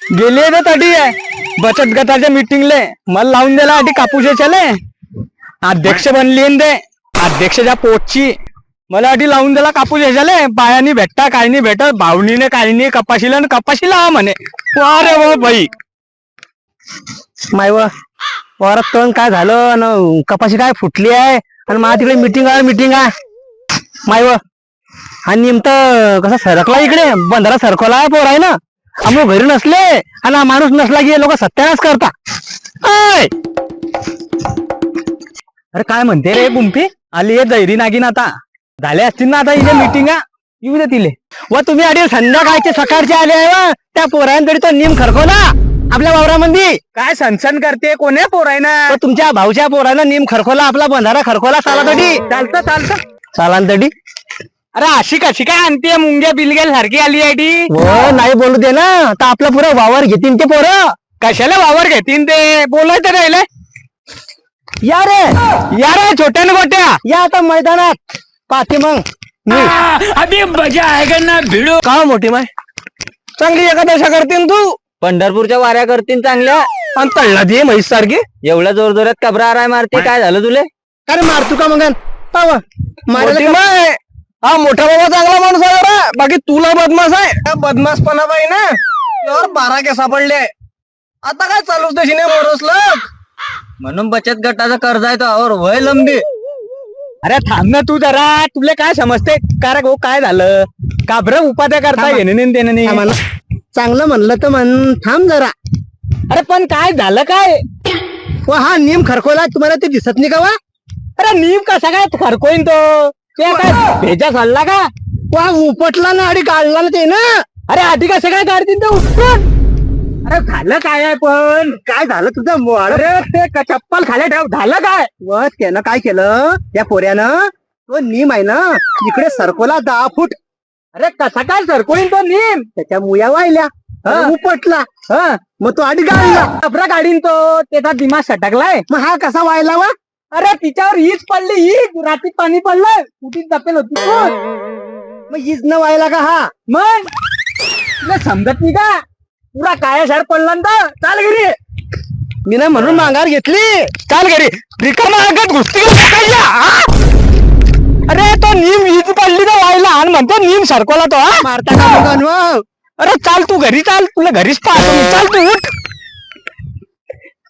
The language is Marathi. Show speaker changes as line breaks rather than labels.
गेली आहे तटी आहे बचत गटाच्या मीटिंगले मला लावून दिला आधी कापूसाच्याले अध्यक्ष बनली ते अध्यक्षच्या पोटची मला आधी लावून दिला कापूस ह्याच्याले बायानी भेटता काही नाही भेटत भावनीने काही नाही कपाशीला आणि कपाशी लावा म्हणे अरे वा बाई माय वरात तण काय झालं आणि कपाशी काय फुटली आहे आणि मला तिकडे मीटिंग आहे माय हा निमत कसा सरकला इकडे बंधारा सरकवला आहे पोर आहे ना आम्ही घरी नसले आणि माणूस नसला की लोक सत्यानाश करता अरे काय म्हणते रे गुंफी आली आहे दैरी नागिन आता झाले असतील ना आता इथे मीटिंग येऊ दे तिले व तुम्ही आधी संध्याकाळचे सकाळचे आले आहे वा त्या पोरांतरी तो निम खरखवला आपल्या वावरामध्ये काय सनसन करते कोण्या पोरायना तुमच्या भाऊच्या पोरानं निम खरखवला आपला बंधारा खरखवला सालातडी चालतं सालांतडी अरे अशी कशी काय आणते मुंग्या बिलगेल सारखी आली आहे ती नाही बोलू दे ना तर आपलं पुरं वावर घेतीन ते पोरं कशाला वावर घेतीन ते बोलायचं राहिले या रे छोट्या न गोट्या या आता मैदानात पाहते मग
अभी मजा आएगा ना भिडो
का मोठी माय चांगली एकादशा करतीन तू
पंढरपूरच्या वाऱ्या करतील चांगल्या
आणि तळला दे म्हैस सारखी
एवढ्या जोर जोरात कबरा मारते काय झालं तुले
अरे मारतू का मग हा मोठा बाबा चांगला माणूस आहे बरं बाकी तुला बदमाश आहे बदमाशपणा बाई ना यावर 12 केस सापडले आता काय चालूच तशी नाही मोरसलं
म्हणून बचत गटाचा कर्ज आहे तो और वय लंबी
अरे थांब ना तू जरा तुला काय समजते कारण हो काय झालं का बरं उपाध्या करता घेणे देणं चांगलं म्हणलं तर म्हण थांब जरा अरे पण काय झालं काय हा नियम खरखवला तुम्हाला ते दिसत नाही का वा अरे नियम कसा काय खरकोईन तो ते काय भेजा चालला का वा उपटला ना आधी काढला ना ते ना अरे आधी कसं काय काढतील ते उपटून अरे झालं काय आहे पण काय झालं तुझं अरे ते चप्पल खाली ठेव झालं काय व त्यानं काय केलं त्या पोऱ्यानं तो नीम आहे ना इकडे सरकोला 10 फूट अरे कसा काय सरकोळीन तो नीम त्याच्या मुया वाहिल्या उपटला मग तो आधी गाडला आपला गाडीन तो त्याचा दिमाग सटकलाय मग हा कसा व्हायला वा अरे तिच्यावर हीच पडली ही रात्रीत पाणी पडलं कुठे जपेल होती मग हीच न व्हायला का हा मग तुला समजत नाही का पुरा काया शार पडला ना चाल घरी मी ना म्हणून माघार घेतली चाल घरी रिकामा अंगात घुसती अरे तो नीम हीच पडली तर व्हायला आणि म्हणतो नीम सरकवला तो मारता का अरे चाल तू घरी चाल तुला घरीच पाहतो मी चाल तू उठ